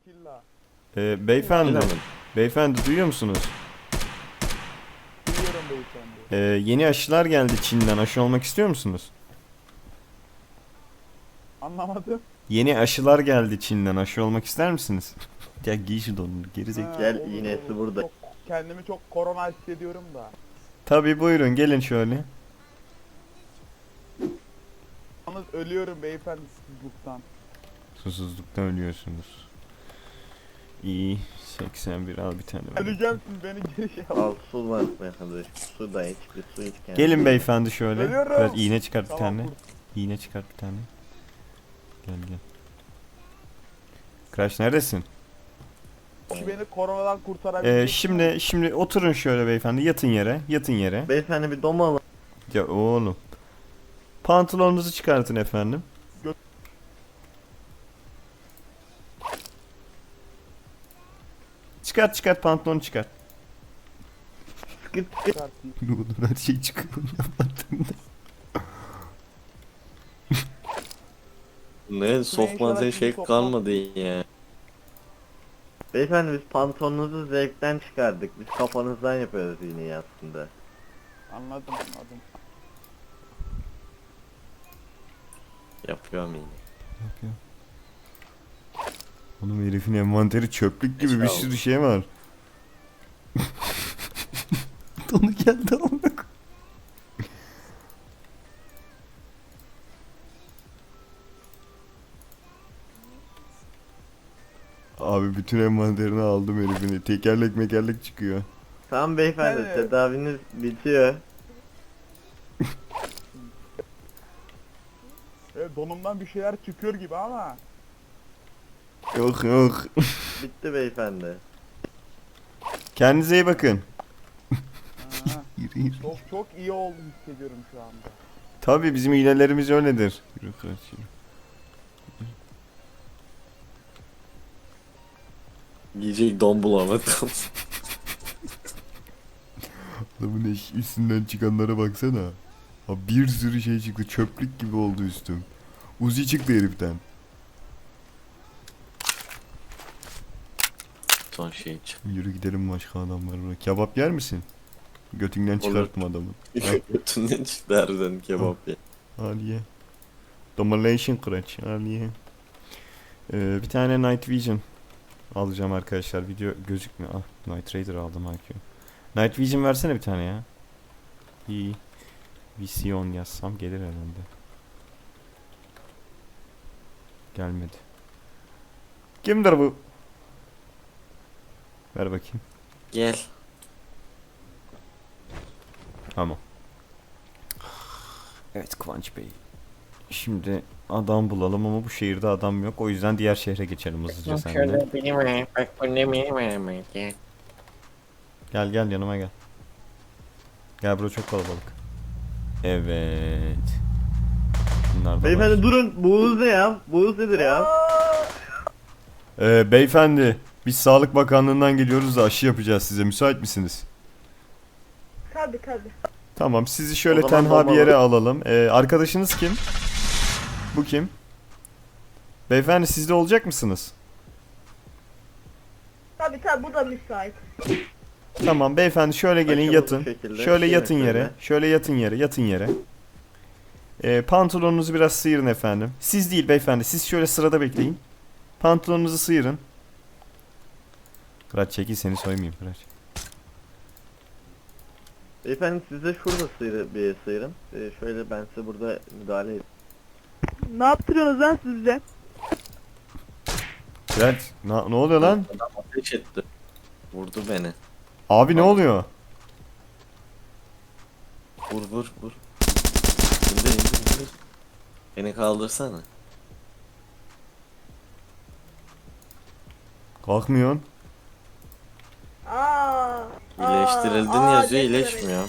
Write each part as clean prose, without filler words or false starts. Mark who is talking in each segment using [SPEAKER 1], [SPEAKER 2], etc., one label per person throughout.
[SPEAKER 1] Killa.
[SPEAKER 2] Beyefendi.
[SPEAKER 3] Bilemedim.
[SPEAKER 2] Beyefendi duyuyor musunuz?
[SPEAKER 1] Duyuyorum beyefendi.
[SPEAKER 2] Yeni aşılar geldi Çin'den. Aşı olmak istiyor musunuz?
[SPEAKER 1] Anlamadım.
[SPEAKER 2] Yeni aşılar geldi Çin'den. Aşı olmak ister misiniz? Ya giy şu donunu gerizekalı.
[SPEAKER 3] Gel,
[SPEAKER 1] Olur,
[SPEAKER 3] iğnesi
[SPEAKER 1] olur.
[SPEAKER 3] burada.
[SPEAKER 1] Kendimi çok korona hissediyorum da.
[SPEAKER 2] Tabii buyurun gelin şöyle.
[SPEAKER 1] Yalnız ölüyorum beyefendi susuzluktan.
[SPEAKER 2] Susuzluktan ölüyorsunuz. İyi. 81 al bir tane. ver.
[SPEAKER 1] Öleceğim siz beni geri şey al.
[SPEAKER 3] Al su var beyefendi. Su da iç, bir su iç kendine.
[SPEAKER 2] Gelin beyefendi şöyle.
[SPEAKER 1] Ölüyorum.
[SPEAKER 2] Biraz iğne çıkart bir
[SPEAKER 1] Tamam,
[SPEAKER 2] tane.
[SPEAKER 1] kurt.
[SPEAKER 2] İğne çıkart bir tane. Gel gel. Crash neredesin?
[SPEAKER 1] Ki beni koronadan kurtarabilecek.
[SPEAKER 2] Şimdi oturun şöyle beyefendi. Yatın yere. Yatın yere.
[SPEAKER 3] Beyefendi bir dom alın.
[SPEAKER 2] Ya oğlum. Pantolonunuzu çıkartın efendim. Çıkart pantolonu çıkart.
[SPEAKER 3] Sıkıt sıkıt.
[SPEAKER 1] Çıkartayım.
[SPEAKER 2] Ne olur her şey çıkıyor yapmadığımda.
[SPEAKER 3] Ne
[SPEAKER 1] sokmadığın şey kalmadı
[SPEAKER 3] ya. Beyefendi biz pantolonunuzu zevkten çıkardık. Biz kafanızdan yapıyoruz iğneyi aslında.
[SPEAKER 1] Anladım.
[SPEAKER 3] Yapıyorum iğne.
[SPEAKER 2] Yapıyor. Oğlum herifin envanteri çöplük gibi bir
[SPEAKER 3] Sağ ol.
[SPEAKER 2] sürü şey var. Donu geldi amına koyayım. Abi bütün envanterini aldım herifini. Tekerlek mekerlek çıkıyor.
[SPEAKER 3] Tamam beyefendi
[SPEAKER 1] Evet.
[SPEAKER 3] tedaviniz bitiyor.
[SPEAKER 1] Donumdan bir şeyler çıkıyor gibi ama.
[SPEAKER 2] Yok yok.
[SPEAKER 3] Bitti beyefendi.
[SPEAKER 2] Kendinize iyi bakın.
[SPEAKER 1] Ha,
[SPEAKER 2] Yürü yürü.
[SPEAKER 1] çok iyi oldu hissediyorum şu anda.
[SPEAKER 2] Tabii bizim iğnelerimiz öyledir. Yürü kaç yürü.
[SPEAKER 3] Yiyecek don bulamadım.
[SPEAKER 2] Adamın üstünden çıkanlara baksana. Ha bir sürü şey çıktı. Çöplük gibi oldu üstüm. Uzi çıktı heriften.
[SPEAKER 3] Son şey için.
[SPEAKER 2] Yürü gidelim başka adamlar var. Kebap yer misin? Götünden çıkartma adamı.
[SPEAKER 3] Götünden çıktı harbiden kebap ya.
[SPEAKER 2] Al ye. Domination Crunch. Al ye. Bir tane Night Vision alacağım arkadaşlar. Video gözükmüyor. Ah Night Raider aldım IQ. Night Vision versene bir tane ya. İyi. Vision yazsam gelir herhalde. Gelmedi. Kimdir bu? Ver bakayım.
[SPEAKER 3] Gel.
[SPEAKER 2] Tamam. Evet Kıvanç Bey. Şimdi adam bulalım ama bu şehirde adam yok. O yüzden diğer şehre geçelim hızlıca seninle.
[SPEAKER 4] Şöyle benim var. Bak bu ne benim var. Gel.
[SPEAKER 2] Gel yanıma gel. Gel bro çok kalabalık. Evet. Bunlar da
[SPEAKER 3] Beyefendi
[SPEAKER 2] var.
[SPEAKER 3] durun. Bu hız ne ya? Bu hız nedir ya?
[SPEAKER 2] Beyefendi biz Sağlık Bakanlığı'ndan geliyoruz da aşı yapacağız size. Müsait misiniz?
[SPEAKER 5] Tabii.
[SPEAKER 2] Tamam sizi şöyle
[SPEAKER 3] O zaman
[SPEAKER 2] tenha bir
[SPEAKER 3] bombalı.
[SPEAKER 2] yere alalım. Arkadaşınız kim? Bu kim? Beyefendi siz de olacak mısınız?
[SPEAKER 5] Tabii bu da müsait.
[SPEAKER 2] Tamam beyefendi şöyle gelin
[SPEAKER 3] Açalım
[SPEAKER 2] yatın.
[SPEAKER 3] bu şekilde.
[SPEAKER 2] Şöyle
[SPEAKER 3] Gelin
[SPEAKER 2] yatın yere.
[SPEAKER 3] şöyle.
[SPEAKER 2] Şöyle yatın yere. Pantolonunuzu biraz sıyırın efendim. Siz değil beyefendi. Siz şöyle sırada bekleyin. Pantolonunuzu sıyırın. Kıraç çekil seni soymayayım Kıraç.
[SPEAKER 3] Beyefendi siz de şurada bir sıyırın. Şöyle ben size burada müdahale edeyim.
[SPEAKER 5] Ne yaptırıyorsunuz lan siz bize?
[SPEAKER 2] Kıraç ne oluyor lan?
[SPEAKER 3] Adam ateş etti. Vurdu beni.
[SPEAKER 2] Abi ne oluyor?
[SPEAKER 3] Vur. İndir. Beni kaldırsana.
[SPEAKER 2] Kalkmıyorsun.
[SPEAKER 3] İyileştirildin yazıyor iyileşmiyor.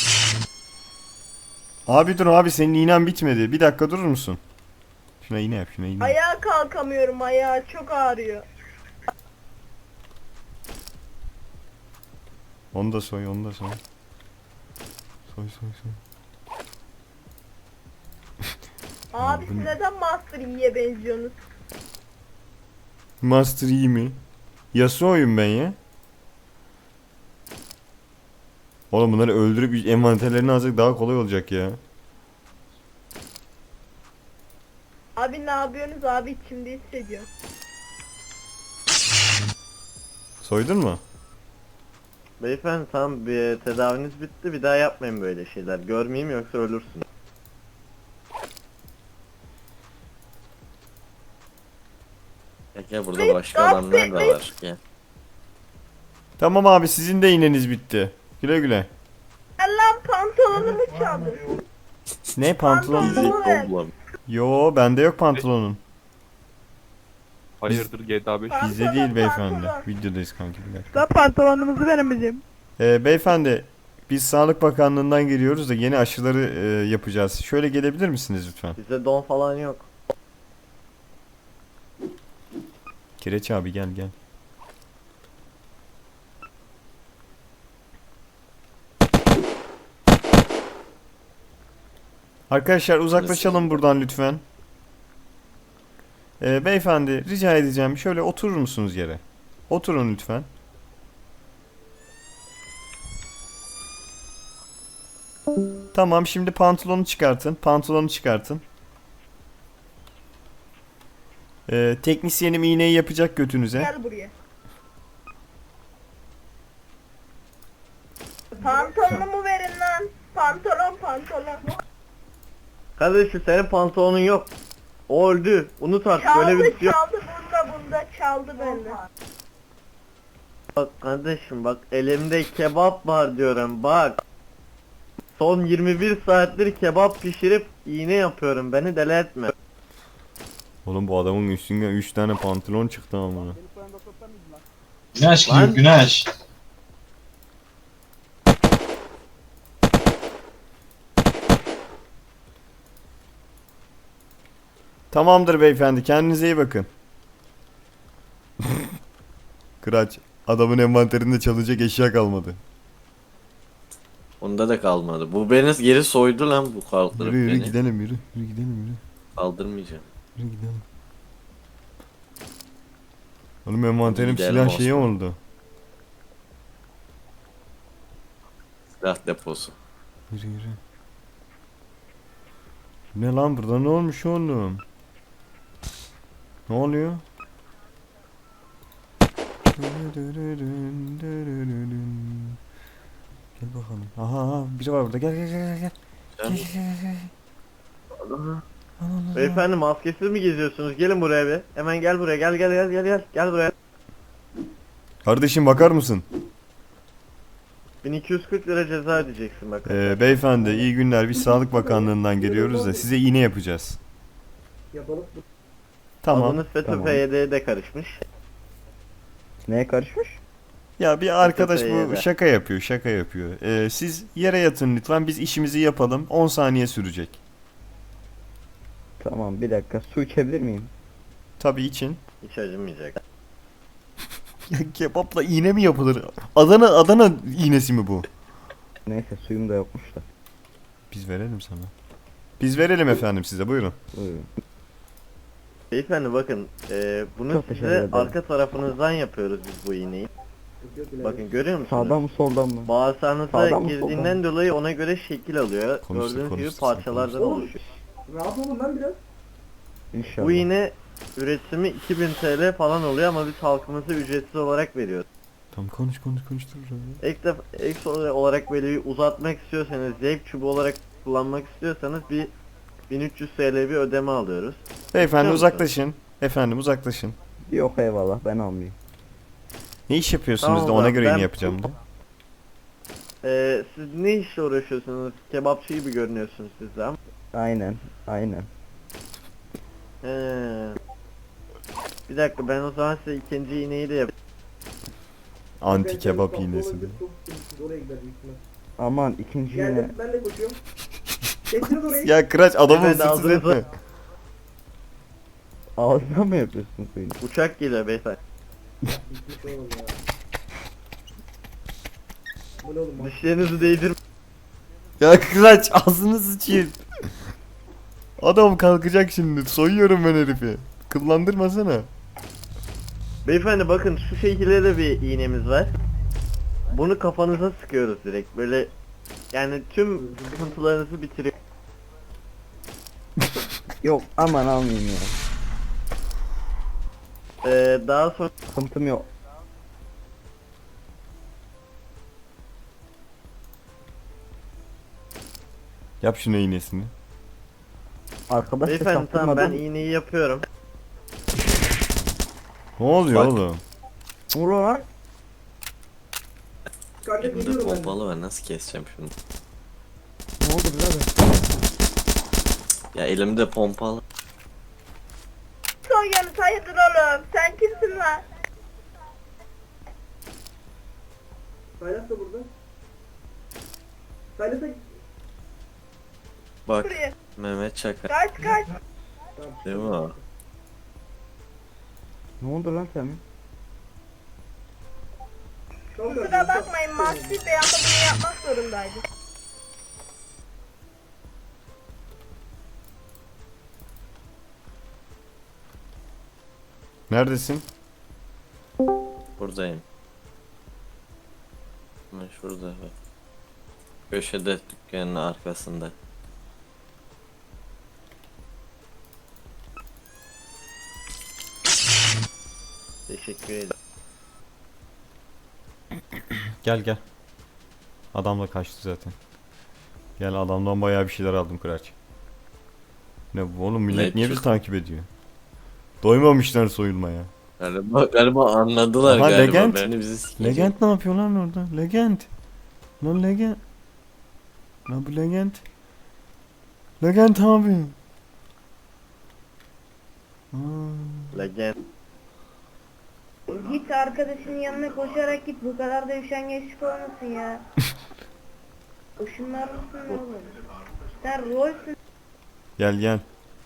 [SPEAKER 2] Abi dur abi senin iğnen bitmedi. Bir dakika durur musun? Şuna iğne yap.
[SPEAKER 5] Ayağa kalkamıyorum, ayağa çok ağrıyor.
[SPEAKER 2] Onu da soy. Soy.
[SPEAKER 5] Abi
[SPEAKER 2] bu
[SPEAKER 5] siz
[SPEAKER 2] ne?
[SPEAKER 5] neden Master Yi'ye benziyorsunuz?
[SPEAKER 2] Master Yi mi? Yasuo'yum ben ya. Oğlum bunları öldürüp envanterlerini alacak daha kolay olacak ya.
[SPEAKER 5] Abi ne yapıyorsunuz abi, içimde hissediyorum.
[SPEAKER 2] Soydun mu?
[SPEAKER 3] Beyefendi tamam, bir tedaviniz bitti, bir daha yapmayın böyle şeyler. Görmeyeyim yoksa ölürsün.
[SPEAKER 4] Gel burada başka adamlar da var. Gel.
[SPEAKER 2] Tamam abi, sizin de iğneniz bitti. Güle güle.
[SPEAKER 5] Allah'ım pantolonumu çaldı.
[SPEAKER 2] Ne pantolon?
[SPEAKER 5] Pantolon ver.
[SPEAKER 4] Toplam.
[SPEAKER 2] Yo, bende yok pantolonun.
[SPEAKER 6] Hayırdır GTA 5?
[SPEAKER 2] Bizde
[SPEAKER 5] Pantolon,
[SPEAKER 2] değil beyefendi.
[SPEAKER 5] pantolon.
[SPEAKER 2] Videodayız kanki, bir dakika.
[SPEAKER 5] Da pantolonumuzu veremeyeceğim.
[SPEAKER 2] Beyefendi, biz Sağlık Bakanlığı'ndan geliyoruz da yeni aşıları yapacağız. Şöyle gelebilir misiniz lütfen?
[SPEAKER 3] Bizde don falan yok.
[SPEAKER 2] Kireç abi gel gel. Arkadaşlar uzaklaşalım buradan lütfen. Beyefendi rica edeceğim, şöyle oturur musunuz yere? Oturun lütfen. Tamam, şimdi pantolonu çıkartın. Pantolonu çıkartın. Teknisyenim iğneyi yapacak götünüze.
[SPEAKER 5] Gel buraya. Pantolonumu verin lan. Pantolon pantolon.
[SPEAKER 3] Kardeşim senin pantolonun yok. O öldü. Unut artık,
[SPEAKER 5] Çaldı
[SPEAKER 3] böyle bir şey yok.
[SPEAKER 5] çaldı bunda çaldı benden.
[SPEAKER 3] Bak kardeşim, bak elimde kebap var diyorum, bak. Son 21 saattir kebap pişirip iğne yapıyorum, beni deli etme.
[SPEAKER 2] Oğlum bu adamın üstünden 3 tane pantolon çıktı ama.
[SPEAKER 7] Güneş
[SPEAKER 3] Lan.
[SPEAKER 7] gibi güneş.
[SPEAKER 2] Tamamdır beyefendi, kendinize iyi bakın. Kıraç, adamın envanterinde çalacak eşya kalmadı.
[SPEAKER 4] Onda da kalmadı. Bu beni geri soydu lan, bu kaldırıp
[SPEAKER 2] Yürü yürü
[SPEAKER 4] beni.
[SPEAKER 2] gidelim, yürü. Yürü gidelim, yürü.
[SPEAKER 4] Kaldırmayacağım.
[SPEAKER 2] Yürü gidelim. Oğlum envanterim
[SPEAKER 4] Gidelim
[SPEAKER 2] silah
[SPEAKER 4] Osman.
[SPEAKER 2] şeyi oldu.
[SPEAKER 4] Silah deposu.
[SPEAKER 2] Yürü yürü. Ne lan, burada ne olmuş oğlum? Ne oluyor? Gel bakalım. Aha, biri var burada. Gel gel gel gel. Gel gel gel gel. Allah Allah.
[SPEAKER 3] Beyefendi maskesiz mi geziyorsunuz? Gelin buraya bir. Hemen gel buraya, gel gel gel gel gel. Gel buraya.
[SPEAKER 2] Kardeşim bakar mısın?
[SPEAKER 3] 1240 lira ceza ödeyeceksin bak.
[SPEAKER 2] Beyefendi iyi günler. Biz Sağlık Bakanlığı'ndan geliyoruz da size iğne yapacağız. Tamam.
[SPEAKER 3] Adınız FETÖ-PYD'ye de karışmış.
[SPEAKER 1] Neye karışmış?
[SPEAKER 2] Ya bir arkadaş
[SPEAKER 3] FETÖ'ye
[SPEAKER 2] bu
[SPEAKER 3] de.
[SPEAKER 2] şaka yapıyor, şaka yapıyor. Siz yere yatın lütfen, biz işimizi yapalım. 10 saniye sürecek.
[SPEAKER 1] Tamam, bir dakika, su içebilir miyim?
[SPEAKER 2] Tabii için.
[SPEAKER 3] Hiç acımayacak.
[SPEAKER 2] Ya kebapla iğne mi yapılır? Adana iğnesi mi bu?
[SPEAKER 1] Neyse, suyum da yokmuş da.
[SPEAKER 2] Biz verelim sana. Biz verelim efendim size, buyurun.
[SPEAKER 1] Buyurun.
[SPEAKER 3] Beyefendi bakın, bunu
[SPEAKER 1] Çok teşekkür
[SPEAKER 3] size
[SPEAKER 1] ederim.
[SPEAKER 3] arka tarafınızdan yapıyoruz biz bu iğneyi. Bakın görüyor musunuz?
[SPEAKER 1] Sağdan mı soldan mı?
[SPEAKER 3] Bağırsağınıza
[SPEAKER 1] Sağdan mı,
[SPEAKER 3] girdiğinden
[SPEAKER 1] soldan mı?
[SPEAKER 3] dolayı ona göre şekil alıyor.
[SPEAKER 2] Konuştuk,
[SPEAKER 3] Gördüğünüz gibi
[SPEAKER 2] konuştuk,
[SPEAKER 3] parçalardan
[SPEAKER 2] konuştuk.
[SPEAKER 3] oluşuyor.
[SPEAKER 1] İnşallah.
[SPEAKER 3] Bu iğne üretimi 2000 TL falan oluyor ama biz halkımıza ücretsiz olarak veriyoruz.
[SPEAKER 2] Tamam konuş dur.
[SPEAKER 3] Ek olarak böyle bir uzatmak istiyorsanız, zevk çubuğu olarak kullanmak istiyorsanız bir 1300 TL bir ödeme alıyoruz.
[SPEAKER 2] Beyefendi
[SPEAKER 3] Biliyor musun?
[SPEAKER 2] uzaklaşın. Efendim uzaklaşın.
[SPEAKER 1] Yok eyvallah, ben almayayım.
[SPEAKER 2] Ne iş yapıyorsunuz
[SPEAKER 3] Tamam
[SPEAKER 2] da ona
[SPEAKER 3] ben-
[SPEAKER 2] göre
[SPEAKER 3] ben-
[SPEAKER 2] iğne yapacağım da.
[SPEAKER 3] Siz ne işle uğraşıyorsunuz? Kebapçı gibi görünüyorsunuz siz de ama.
[SPEAKER 1] Aynen.
[SPEAKER 3] He. Bir dakika, ben o zaman size ikinci iğneyi de yapayım.
[SPEAKER 2] Anti kebap iğnesi de.
[SPEAKER 1] Aman ikinci yine.
[SPEAKER 2] Ya Kıraç adamı
[SPEAKER 3] Beyefendi,
[SPEAKER 2] ısırsız
[SPEAKER 3] ağzınıza-
[SPEAKER 2] etme.
[SPEAKER 1] Ağzına mı yapıyorsun suyunu?
[SPEAKER 3] Uçak geliyor beyefendi. Dişlerinizi değdir.
[SPEAKER 2] Ya Kıraç ağzını sıçayım. Adam kalkacak şimdi. Soyuyorum ben herifi. Kıllandırmasana.
[SPEAKER 3] Beyefendi bakın şu şekilde de bir iğnemiz var. Bunu kafanıza sıkıyoruz direkt böyle yani tüm sıkıntılarınızı bitiriyor.
[SPEAKER 1] Yok aman almayayım ya.
[SPEAKER 3] Daha sonra
[SPEAKER 1] Sıkıntım yok.
[SPEAKER 2] Yap şuna iğnesini.
[SPEAKER 1] Arkadaş da
[SPEAKER 3] beyefendi tamam ben
[SPEAKER 1] çaktırmadan.
[SPEAKER 3] iğneyi yapıyorum.
[SPEAKER 2] Ne oluyor
[SPEAKER 4] Bak.
[SPEAKER 2] oğlum?
[SPEAKER 1] Vur lan.
[SPEAKER 4] Elimde pompalı var, nasıl keseceğim şunu?
[SPEAKER 1] Ne oldu birader?
[SPEAKER 4] Ya elimde pompalı.
[SPEAKER 5] Son yanıt hayırdır oğlum? Sen kimsin lan?
[SPEAKER 3] Saylas da burada. Saylas'a
[SPEAKER 4] Bak
[SPEAKER 5] Buraya.
[SPEAKER 4] Mehmet Çakar
[SPEAKER 5] Kaç.
[SPEAKER 4] değil mi o?
[SPEAKER 1] Ne oldu lan senin?
[SPEAKER 5] Kusura bakmayın Mahsi Bey ama bunu yapmak zorundaydı.
[SPEAKER 2] Neredesin?
[SPEAKER 4] Buradayım. Ben şurada bak. Köşede dükkanın arkasında.
[SPEAKER 3] teşekkür ederim.
[SPEAKER 2] Gel gel. Adam da kaçtı zaten. Gel adamdan bayağı bir şeyler aldım Kıraç. Ne bu oğlum, millet
[SPEAKER 4] Ne
[SPEAKER 2] niye bizi
[SPEAKER 4] çıktı?
[SPEAKER 2] takip ediyor? Doymamışlar soyulmaya.
[SPEAKER 4] Galiba anladılar
[SPEAKER 2] Aha,
[SPEAKER 4] galiba.
[SPEAKER 2] Legend.
[SPEAKER 4] Beni bizi sikecek.
[SPEAKER 2] Legend ne yapıyor lan orada? Legend. Lan Legend. Lan bu Legend. Legend abi. Aa.
[SPEAKER 3] Legend.
[SPEAKER 5] Git arkadaşının yanına koşarak git. Bu kadar da üşengeçlik olmasın ya. Işınlar mısın ne olur? Sen rolsün.
[SPEAKER 2] Gel gel.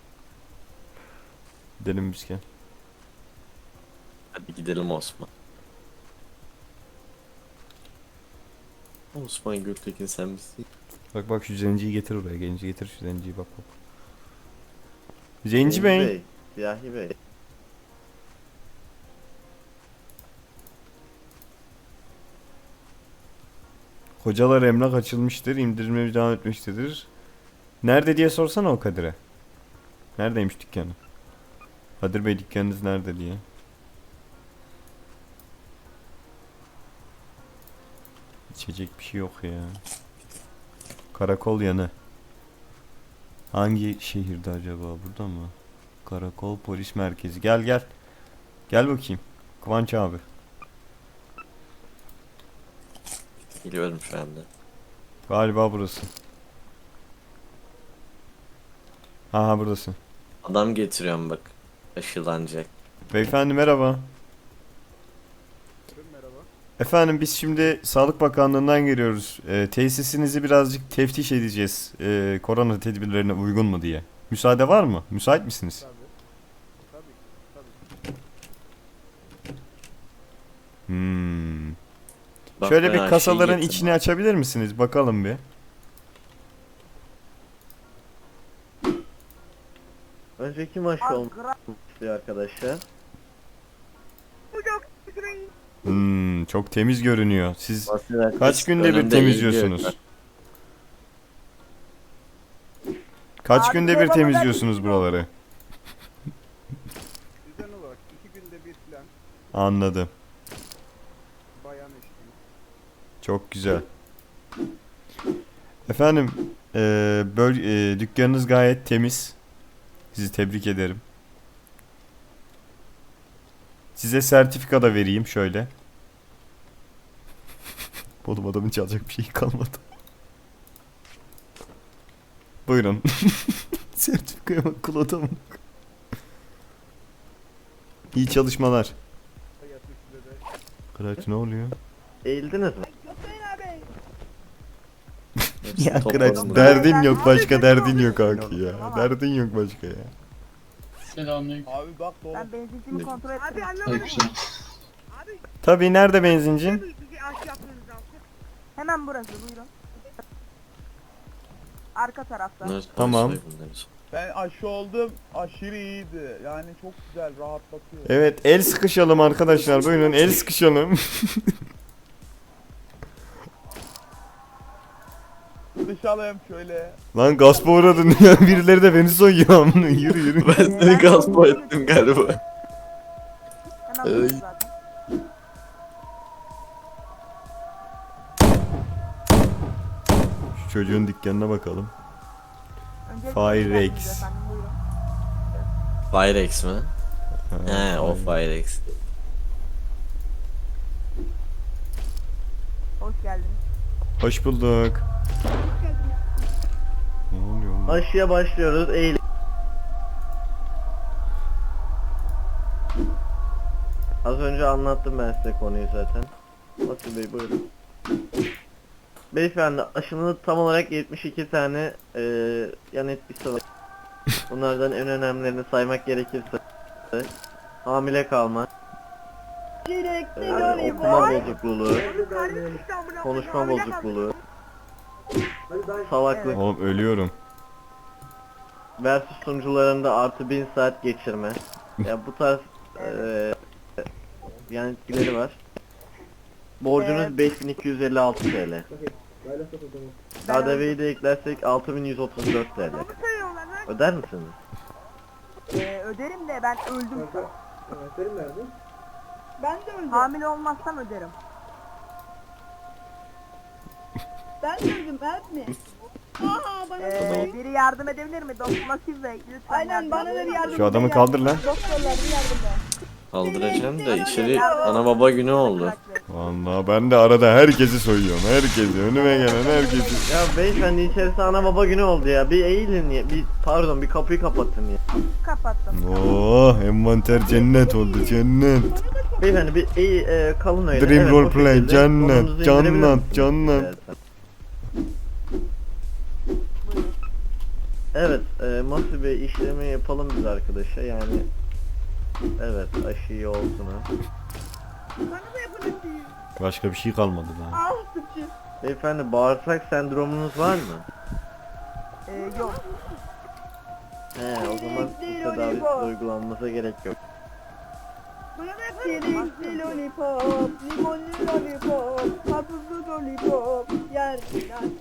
[SPEAKER 2] Gidelim biz gel.
[SPEAKER 4] Hadi gidelim Osman. Osman Gültekin sen misin?
[SPEAKER 2] Bak bak şu zenciyi getir oraya. Genci getir şu zenciyi, bak bak. Zenci Bey.
[SPEAKER 3] Siyahi Bey.
[SPEAKER 2] Hocalar emlak açılmıştır. İndirime devam etmektedir. Nerede diye sorsana o Kadir'e. Neredeymiş dükkanı? Kadir Bey dükkanınız nerede diye. İçecek bir şey yok ya. Karakol yanı. Hangi şehirde acaba? Burada mı? Karakol polis merkezi. Gel gel. Gel bakayım. Kıvanç abi.
[SPEAKER 4] Geliyorum şu anda.
[SPEAKER 2] Galiba burası. Aha buradasın.
[SPEAKER 4] Adam getiriyorum bak. Aşılanacak.
[SPEAKER 2] Beyefendi merhaba. Efendim biz şimdi Sağlık Bakanlığı'ndan geliyoruz. Tesisinizi birazcık teftiş edeceğiz. Korona tedbirlerine uygun mu diye. Müsaade var mı? Müsait misiniz? Hmm.
[SPEAKER 4] Bak
[SPEAKER 2] Şöyle
[SPEAKER 4] ben
[SPEAKER 2] bir
[SPEAKER 4] aşıyı
[SPEAKER 2] kasaların
[SPEAKER 4] getirdim.
[SPEAKER 2] içini açabilir misiniz? Bakalım bir.
[SPEAKER 3] Önce kim aşı olmuş diyor arkadaşlar.
[SPEAKER 2] Çok temiz görünüyor. Siz
[SPEAKER 4] Basın
[SPEAKER 2] kaç günde bir
[SPEAKER 4] önünde
[SPEAKER 2] temizliyorsunuz?
[SPEAKER 4] eğiliyor.
[SPEAKER 2] Kaç
[SPEAKER 5] Abi,
[SPEAKER 2] günde bir
[SPEAKER 5] babama
[SPEAKER 2] temizliyorsunuz buraları?
[SPEAKER 6] Düzen olarak 2 günde bir falan
[SPEAKER 2] Anladım.
[SPEAKER 6] bayan eşliği.
[SPEAKER 2] Çok güzel. Efendim, dükkanınız gayet temiz. Sizi tebrik ederim. Size sertifika da vereyim şöyle. Oğlum adamın çalacak bir şey kalmadı. Buyurun. Sertifikaya bak, kul adamın. İyi çalışmalar.
[SPEAKER 6] Yatmış size de
[SPEAKER 2] Kıraç ne oluyor?
[SPEAKER 3] Eğildiniz mi?
[SPEAKER 4] Hepsi
[SPEAKER 2] Ya
[SPEAKER 4] topladım
[SPEAKER 2] Kıraç
[SPEAKER 4] buraya.
[SPEAKER 2] derdin yok, başka derdin yok kanki ya. Derdin yok başka ya.
[SPEAKER 7] Selamünaleyküm.
[SPEAKER 6] abi bak dolu.
[SPEAKER 5] Ben benzincimi kontrol ettim. Abi
[SPEAKER 7] Aleykümselam.
[SPEAKER 2] Tabii, nerede benzincin?
[SPEAKER 5] Hemen burası buyurun. Arka tarafta.
[SPEAKER 2] Tamam.
[SPEAKER 6] Ben aşı oldum. Aşırı iyiydi. Yani çok güzel, rahatlatıyor.
[SPEAKER 2] Evet, el sıkışalım arkadaşlar. Buyurun el sıkışalım.
[SPEAKER 6] Dışalım şöyle.
[SPEAKER 2] Lan gaspa uğradın ya. Birileri de beni soyuyor amına. Yürü yürü.
[SPEAKER 4] Ben seni gaspa ettim galiba.
[SPEAKER 5] Hemen buluruz zaten.
[SPEAKER 2] Şu çocuğun dükkanına bakalım.
[SPEAKER 5] Öncelikle
[SPEAKER 2] Fire
[SPEAKER 5] hoş geldiniz
[SPEAKER 2] Rex.
[SPEAKER 5] efendim, buyurun.
[SPEAKER 4] Firex mi?
[SPEAKER 2] Ha,
[SPEAKER 4] He o Firex.
[SPEAKER 5] Hoş geldiniz.
[SPEAKER 2] Hoş bulduk. Ne oluyor lan?
[SPEAKER 3] Aşıya başlıyoruz. Eğil. Az önce anlattım ben size konuyu zaten. Nasıl Bey buyurun. Beyefendi aşının tam olarak 72 tane yan etkisi var. Bunlardan en önemlilerini saymak gerekirse hamile kalma, okuma bozukluğu, konuşma bozukluğu, salaklık,
[SPEAKER 2] Oğlum ölüyorum.
[SPEAKER 3] versus sunucularında artı 1000 saat geçirme. Ya bu tarz yan etkileri var. Borcunuz 5256 TL. KDV'yi de eklersek 6134 TL. Öder misiniz?
[SPEAKER 5] Öderim de ben öldüm. Ben de öldüm. Hamile olmazsam öderim. Ben de öldüm, evet mi? Aha bana biri yardım edebilir mi? Doktor Masif Bey lütfen. Aynen bana da bir yardım.
[SPEAKER 2] Şu adamı kaldır lan.
[SPEAKER 5] Doktorlar bir yardım da.
[SPEAKER 4] Kaldıracağım da içeri ana baba günü oldu.
[SPEAKER 2] Vallahi ben de arada herkesi soyuyorum. Herkesi. Önüme gelen herkesi.
[SPEAKER 3] Ya beyefendi içerisi ana baba günü oldu ya. Bir eğilin ya. Pardon bir kapıyı kapatın ya.
[SPEAKER 5] Kapattım.
[SPEAKER 2] Oh, envanter cennet oldu cennet.
[SPEAKER 3] Beyefendi bir kalın öyle.
[SPEAKER 2] Dream
[SPEAKER 3] Evet,
[SPEAKER 2] role
[SPEAKER 3] o
[SPEAKER 2] play,
[SPEAKER 3] şekilde
[SPEAKER 2] cennet,
[SPEAKER 3] kolunuzu indirebilir
[SPEAKER 2] cennet,
[SPEAKER 3] misiniz
[SPEAKER 2] cennet.
[SPEAKER 3] istersen? Evet, Masih Bey işlemi yapalım biz arkadaşa yani. Evet, aşıyı olsun ha.
[SPEAKER 5] Bana da yapın isteyin.
[SPEAKER 2] Başka bir şey kalmadı lan.
[SPEAKER 5] Ah sıçı.
[SPEAKER 3] Beyefendi bağırsak sendromunuz var mı?
[SPEAKER 5] Yok.
[SPEAKER 3] He, o zaman bu tedavi uygulanmasına gerek yok.
[SPEAKER 5] Bana da yapın. Çilekli lollipop, limonlu lollipop, karpuzlu lollipop, yerler.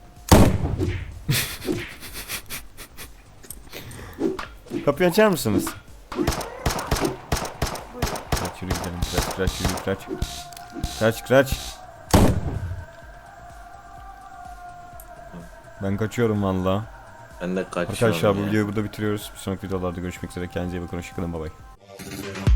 [SPEAKER 2] Kapıyı açar mısınız? Kaç yürü gidelim. Kaç yürü kaç. Kaç. Ben kaçıyorum valla.
[SPEAKER 4] Ben de kaçıyorum
[SPEAKER 2] Arkadaşlar bu
[SPEAKER 4] ya.
[SPEAKER 2] videoyu burada bitiriyoruz. Bir sonraki videolarda görüşmek üzere. Kendinize iyi bakın. Hoşçakalın. Bay bay.